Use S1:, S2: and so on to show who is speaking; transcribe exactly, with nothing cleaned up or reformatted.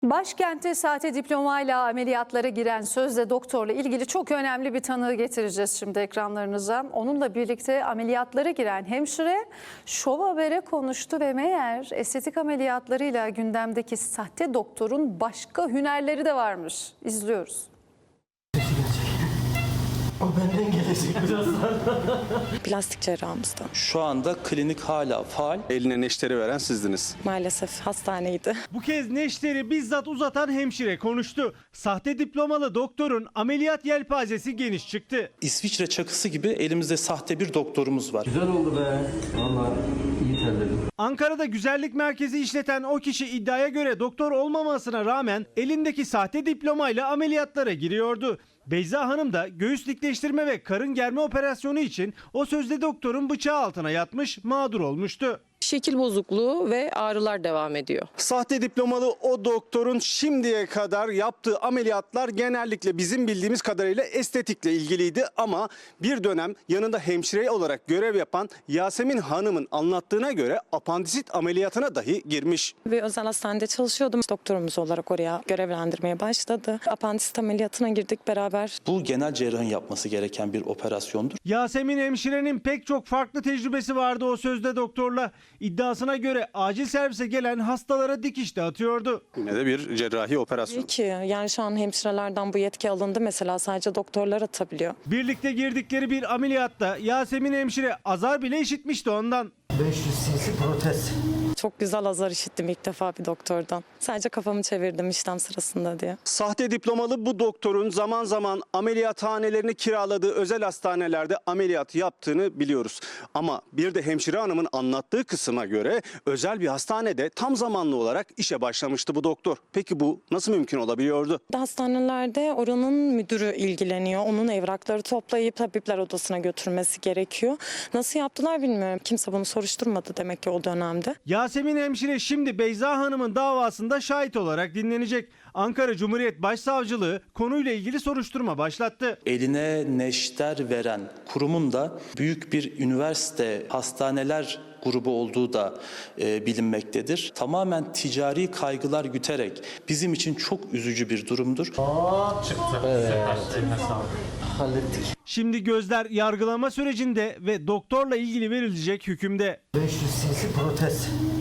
S1: Başkente sahte diplomayla ameliyatlara giren sözde doktorla ilgili çok önemli bir tanığı getireceğiz şimdi ekranlarınıza. Onunla birlikte ameliyatlara giren hemşire Şov Haber'e konuştu ve meğer estetik ameliyatlarıyla gündemdeki sahte doktorun başka hünerleri de varmış. İzliyoruz.
S2: O benden gelecek birazdan.
S3: Plastik cerrahımızda.
S4: Şu anda klinik hala faal.
S5: Eline neşteri veren sizdiniz.
S3: Maalesef hastaneydi.
S6: Bu kez neşteri bizzat uzatan hemşire konuştu. Sahte diplomalı doktorun ameliyat yelpazesi geniş çıktı.
S4: İsviçre çakısı gibi elimizde sahte bir doktorumuz var.
S2: Güzel oldu be. Vallahi iyi terledim.
S6: Ankara'da güzellik merkezi işleten o kişi iddiaya göre doktor olmamasına rağmen elindeki sahte diplomayla ameliyatlara giriyordu. Beyza Hanım da göğüs dikleştirme ve karın germe operasyonu için o sözde doktorun bıçağı altına yatmış, mağdur olmuştu.
S3: Şekil bozukluğu ve ağrılar devam ediyor.
S5: Sahte diplomalı o doktorun şimdiye kadar yaptığı ameliyatlar genellikle bizim bildiğimiz kadarıyla estetikle ilgiliydi. Ama bir dönem yanında hemşire olarak görev yapan Yasemin Hanım'ın anlattığına göre apandisit ameliyatına dahi girmiş.
S3: Bir özel hastanede çalışıyordum. Doktorumuz olarak oraya görevlendirmeye başladı. Apandisit ameliyatına girdik beraber.
S4: Bu genel cerrahın yapması gereken bir operasyondur.
S6: Yasemin hemşirenin pek çok farklı tecrübesi vardı o sözde doktorla. İddiasına göre acil servise gelen hastalara dikiş de atıyordu.
S5: Yine de bir cerrahi operasyon.
S3: Peki yani şu an hemşirelerden bu yetki alındı. Mesela sadece doktorlar atabiliyor.
S6: Birlikte girdikleri bir ameliyatta Yasemin hemşire azar bile işitmişti ondan.
S2: beş yüz cc protez.
S3: Çok güzel azar işittim ilk defa bir doktordan. Sadece kafamı çevirdim işlem sırasında diye.
S5: Sahte diplomalı bu doktorun zaman zaman ameliyathanelerini kiraladığı özel hastanelerde ameliyat yaptığını biliyoruz. Ama bir de hemşire hanımın anlattığı kısma göre özel bir hastanede tam zamanlı olarak işe başlamıştı bu doktor. Peki bu nasıl mümkün olabiliyordu?
S3: Hastanelerde oranın müdürü ilgileniyor. Onun evrakları toplayıp tabipler odasına götürmesi gerekiyor. Nasıl yaptılar bilmiyorum. Kimse bunu soruşturmadı demek ki o dönemde.
S6: Yasemin hemşire şimdi Beyza Hanım'ın davasında şahit olarak dinlenecek. Ankara Cumhuriyet Başsavcılığı konuyla ilgili soruşturma başlattı.
S4: Eline neşter veren kurumun da büyük bir üniversite, hastaneler grubu olduğu da e, bilinmektedir. Tamamen ticari kaygılar güterek bizim için çok üzücü bir durumdur.
S2: Hallettik.
S6: Şimdi gözler yargılama sürecinde ve doktorla ilgili verilecek hükümde.
S2: beş yüz cc protez.